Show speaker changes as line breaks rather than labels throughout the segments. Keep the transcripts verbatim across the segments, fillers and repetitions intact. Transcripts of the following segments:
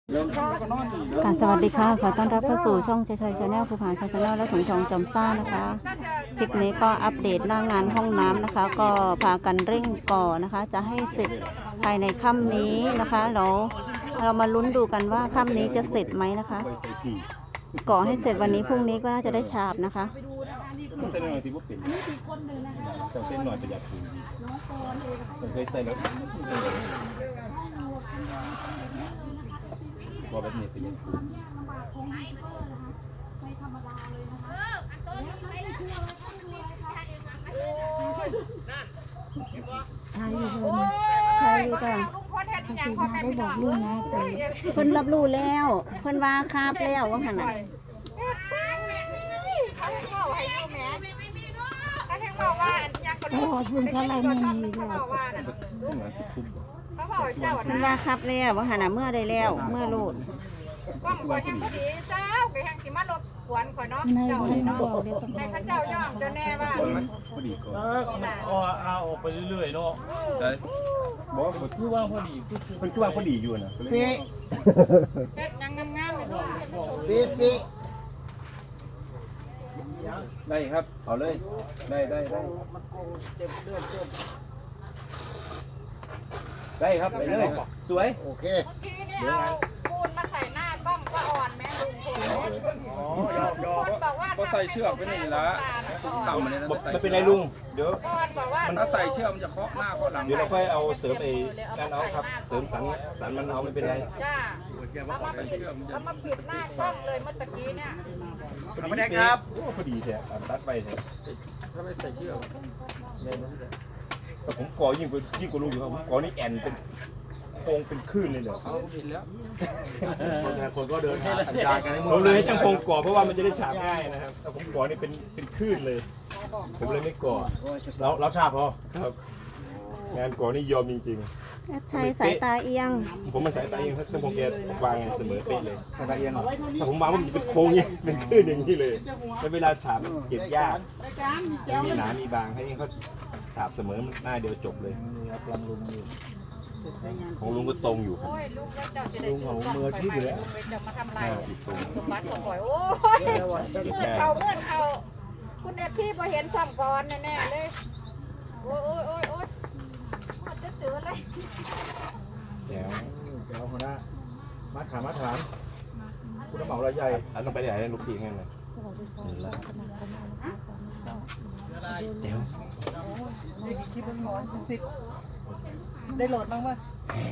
ค่ะสวัสดีค่ะขอต้อนรับเข้าสู่ช่องชัยชัยชาแนลภูผาชัยชาแนลและสมชองจอมซ่านะคะคลิปนี้ก็อัปเดตหน้างานห้องน้ำนะคะ ก็พากันเร่งก่อนะคะ จะให้เสร็จภายในค่ำนี้นะคะเราเรามาลุ้นดูกันว่าค่ำนี้จะเสร็จไหมนะคะก่อให้เสร็จวันนี้พรุ่งนี้ก็น่าจะได้ฉาบนะคะ
เส้นหน่อยสิว่าเป็นเจ้าเส้นหน่อยประหยัดพื้นผมเคยใส่แล้วพอแบบนี้ประหยัดพื้น
ทายอยู่เลยทายอยู่จ้ะได้บอกลูกนะเพิ่นรับรู้แล้วเพิ่นว่าคาบแล้วว่าขนาด
โอ้คุณเขาอะไรไม่มีเลย
เพิ่นว่าคาบแล้วว่าขนาดเมื่อได้แล้วเมื่อโลด
กล้องข่อยแห่งพอดีเจ้าไปแห่งสิมารบกวนข่อยเนาะเจ้าเนาะให้ข้าเจ้าย่องเจ้าแน่ว่า
พอดีก่อน
เออมันก็เอาออกไปเรื่อยๆเนาะใช่บอกว่าคือว่าพอดี
มันคือว่าพอดีอยู่นะ
ปี๊
เฮ็ดยังงามๆเลยเนาะ
ปี๊ปี๊
ได้ครับเอาเลยได้ได้ได้ได้ครับไปเลยสวย
โอเค
ทีนี้เอาปูนมาใส่หน้ากล้องก็อ่อนแม่ลุงคนบอกว่า
ก็ใส่เชือกไปนี่ละต่ำมาเลยนะ
ไม่เป็นไรลุงเดี๋ยว
คนบอกว่า
ถ้าใส่เชือกมันจะเคาะหน้าเคาะหลัง
เดี๋ยวเราค่อยเอาเสริมไอ้นั่นเอาครับเสริมสันสันมันเอาไม่เป็นไร
จ้าเอามาปิดเอามาปิดหน้ากล้องเลยเมื่อตะกี้เนี่ย
ไม่ได้ครับโอ้พอดีแท้ตัดไปแท้
ถ้าไม่ใส่เชือก
แต่ผมก่อยิ่งกว่ายิ่งกว่าลุงอยู่ครับผมก่อนี่แอนเป็นโค้งเป็นคลื่นเลยเหรอ
เอาผิดแล้ว
คนก็เดินหาสัญญากันให้หมดผมเลยให้ช่างพงก่อเพราะว่ามันจะได้ฉาบง่ายนะครับแต่ผมก่อนี่เป็นเป็นคลื่นเลยผมเลยไม่ก่อแล้วแล้วฉาบพอครับงานก่อนี่ยอมจริงๆ
ใช้สายตาเอียง
ผมมันสายตาเองถ้าช่างพงแกวางเสมอเป๊ะเลยสายตาเอียงถ้าผมวางมันจะเป็นโค้งอย่างเป็นคลื่นอย่างนี้เลยแล้วเวลาฉาบเก็บยากมีหนามีบางให้เขาฉาบเสมอหน้าเดียวจบเลยของลุงก็ตรงอยู่ครับ
โอ้ยลุงก็เจ้าจะได้ของมืออาชีพอยู่แล้วจะมาทำไรสมบัติของข่อยโอ้ยเขาเมื่อเขาคุณเอฟที่พอเห็นซ้ำก่อนแน่ๆเลยโอ้ยโอ้ยโอ้ยโอ้ยมันจะเสือเลย
แจ๋ว
เดี๋ยวหัวหน้ามาถามมาถามคุณเหมาอะไรใหญ่
อันต้องไปไหนลูกพี่งั้นเลยเจ๋ว
คลิปมันหมอนสิบได้โหลดบ้างป่ะ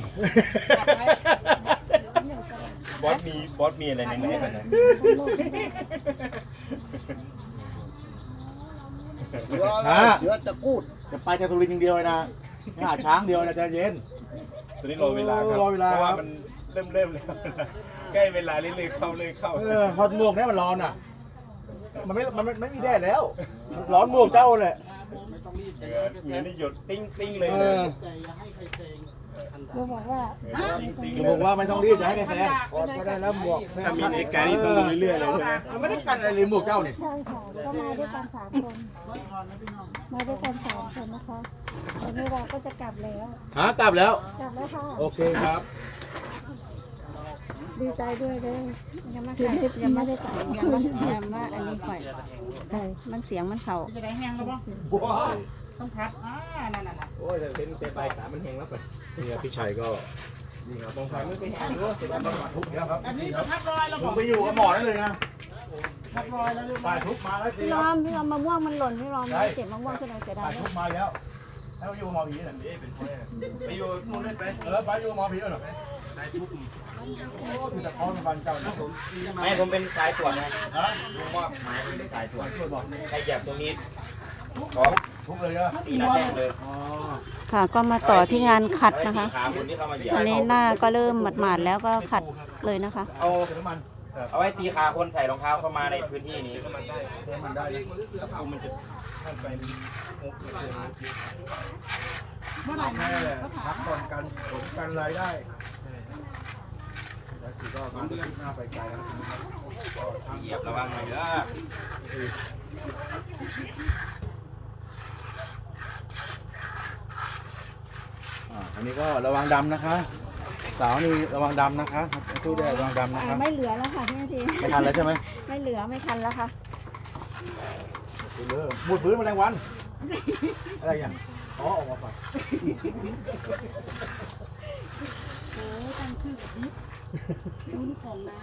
บอสมีบอสมีอะไรในไหนกันนะ
เสือเสือตะกูดจะไปแต่สุรินทร์อย่างเดียวเลยนะไม่หาช้างเดียวนะใจเย็น
ตอนนี้รอเวลาครับ
รอเวลา
เพราะว่า
ครับ
มันเริ่มเริ่มแล้วใกล้เวลาเรื่อยๆเข้าเลยเข้า
เออพอหมวกเนี่ยมันร้อนอ่ะมันไม่มันไม่มีแดดแล้วร้อนหมวกเจ้าเลย
เหงื่อเหงื่อนี่หยดติ้งติ้งเลย
เอ
เลย
อ
เราบอกว่า
ติ้งติ้ง
ผมบอกว่าไม่ต้องรีบจะให้ใครแซงก็ได้แล้วหมวก
ถ้ามีเหตุการณ์นี้ต้องลงเรื่อยๆเลยใช่ไหม
มันไม่ได้กันอะไรเลยหมวกเจ้าเนี่ย
ใช่ค่ะก็มาด้วยกันสามคนมาด้วยกันสามคนนะคะตอนนี้เราก็จะกลับแล้ว
หากลับแล้ว
กลับแล้วค่ะ
โอเคครับ
ดีใจด้วยเลย
ยังไม่ได้ยังไม่ได้ตัดยังไม่ยังว่าอันนี้ข่อยใช่มันเสียงมันเข่า
จะได้แห้งแล้วป่ะ
ว้าว
ต้องพัดอ่านั่นน่ะ
โอ้ยแต่เป็นเป็นใบสามมันแห้งแล้วไปนี่ครับพี่ชัยก็นี่ครับมองไปไม่ไปแห้งด้วยเป็นการบำบัดทุกข์แล้วครับ
อันนี้ก็พัดรอยแล้ว
ผมไปอยู่กับหมอได้เลยนะ
พัดรอยแล้วหรือเป
ฝ่า
ล่าย
ทุกมาแล้วสิ
พี่
ค
ร
รั
อบ มพี่รอมมะม่วงมันหล่นพี่รอมไม่เจ็บมะม่วงขึ้นมาเสียดา
ฝ่าย ยทุกมาแล้วแล้วอยู่กับหมอผีน่ะไปอยู่นู่นได้ไปเออไปอยู่กับหมอผีแล้วเหรอได้ทุกโอ้คือแต่คอนฟันเจ้านะผม
ไม่ผมเป็นสายตรวจนะลุงว่าหมายเป็นสายตรวจใครเหยียบตรงนี้ขอ
ทุกเลยเหรอ
ตีหน้าแข้งเลย
อ๋อ
ค่ะก็มาต่อที่งานขัดนะคะ
ขาคนที่เข้ามาเหยียบ
ตอนนี้หน้าก็เริ่มหมาดๆแล้วก็ขัดเลยนะคะ
เอา
เติมน้ำมัน
เอาไว้ตีขาคนใส่รองเท้าเข้ามาในพื้นที่นี้
เติมมันได้
มันจะเข้าไป
เมื่อไหร่
แค่พักผ่อนกันผลกันรายได้แล้วคือก็มันขึ้นหน้าไปไกลแล้ว
เหยียบระวังหน่อยเด้อ
อ่าอันนี้ก็ระวังดำนะคะสาวนี่ระวังดำนะคะตู้ได้ระวังดำนะ
อ่า
คะ
ไม่เหลือแล้วค่ะพี่นาที
ไม่ทันแล้วใช่ไหม
ไม่เหลือไม่คันแล้วค่ะ
เลิกบูดพื้นแมลงวันอะไรอย่างอ๋อออกมาฝัก
โอ้ตั้งชื่อแบบนี้รุ่นของนะ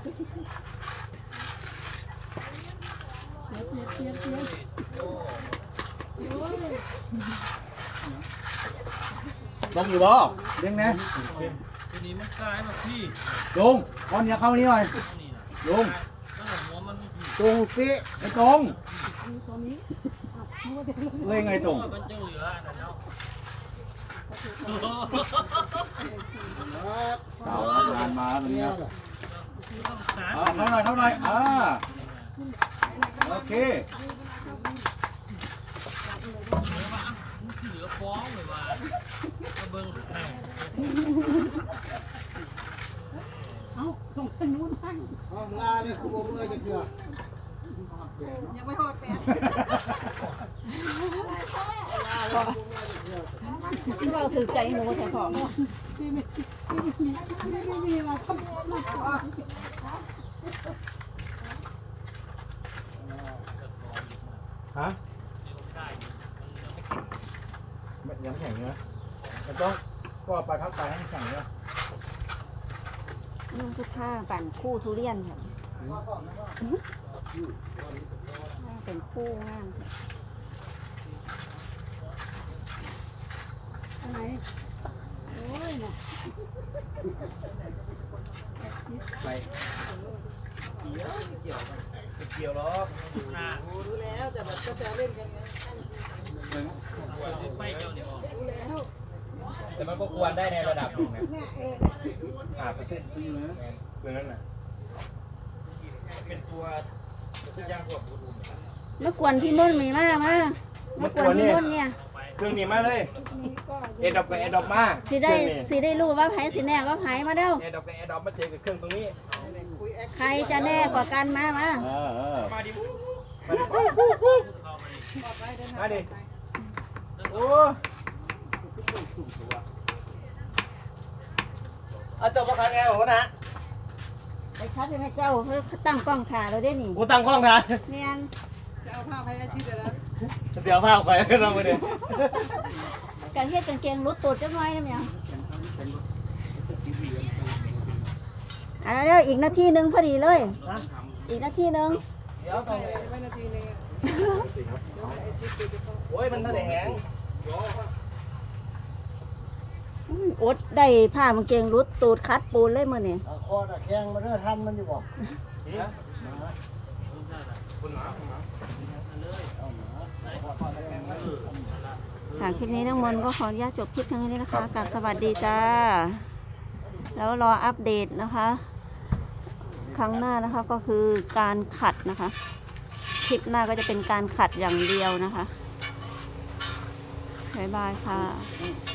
เทียบเทียบเทียบเทียบโอ้ย
ลงอยู่บ่เด้งนะ
ทีนี้มันกลายมาพี่
ลุงก้อนเนี้ยเข้านี่หน่อยลุง
แล้วหัวมันพี่
ตรงปีไม่ตรง
ตัวนี้อ่ะนึกว่าจะ
เลยไงตรง
มันจะเหลือนะเนาะ
สาวงานมาแบบนี้ครับอ่าเท่าไหร่เท่าไหร่อ่าโอเค
เหลือฟ้องเลยว่าเบิ้ง
เอ้าส่งทางนู้นบ้าง
งานเนี่ยคุณบอกเลยจะเกลือ
ที่เราถือใจหนูแต่ของที่ไม่ไม่มีมาทำมา
ฮะยังไม่แข็งเนื้อมันต้องก็ไปพักไปให้แข็งเนื้อ
นุ่งพุทธาปั่นคู่ทุเรียนค่ะเป็นคู่งามค่ะอะไรโอ้ยนะ
ไปเกี่ยวเกี่ยวเกี่ยวหรอ
รู้แล้วแต่แบบก็จะเล่นกันไง
ไฟเจ้าเนี่ย
รู้แล้ว
แต่มันก็ควรได้ในระดับหนึ่งนะ
เนี่ยเอง
ห้าเปอร์เซ็นต์เพื่อนนั่นแหละ
เป็นตัวที่ย่างพวกบูดู
เมื่อกวนพี่มุ่นมีมากมากเมื่อกวนพี่มุ่นเนี่ย
เครื่องนี้มาเลย
นี่ก็
เอดอกกับเอดอกมา
สิได้สิได้รู้ว่าไผสิแน่ว่าไผมาเด้อ
เอดอกกับเอดอกมาเจอกับเครื่องตรงนี้
คุยแอค
ใครจะแน่กว่ากันมามา
เออเออ
มาดิ
ปลอดภัยเดินทาง
มาดิ
ไป
โอ้เอาจบมาคันไงผมนะ
ไอ้คัดให้เจ้าเพิ่นตั้งกล้องถ่ายเราได้นี่
กูตั้งกล้องถ่าย
แม่น
จะเอาผ้าพยาชิดเลยนะ
เสียวผ้าไปเราไปดิ
การเฮ็ดกางเกงรุดตูดจังไว้นะแม่อ่ะเดี๋ยวอีกนาทีหนึงพอดีเลย อีกนาทีหนึง
เดี๋ยวตรง
ไปนาทีนึงเดี๋ยวไอชิดดูจะเข้า
โอ้ยมันน่าจะแห้ง
อืมอดได้ผ้ากางเกงรุดตูดคัดปูนเลยมื้อนี้
คอตะแคงมาเรื่อทันมันอยู่บ่
ค่ะคลิปนี้ทั้งหมดก็ขออนุญาตจบคลิปเพียงเท่านี้นะคะกับสวัสดีจ้า แล้วรออัปเดตนะคะ ครั้งหน้านะคะก็คือการขัดนะคะ คลิปหน้าก็จะเป็นการขัดอย่างเดียวนะคะ บ๊ายบายค่ะ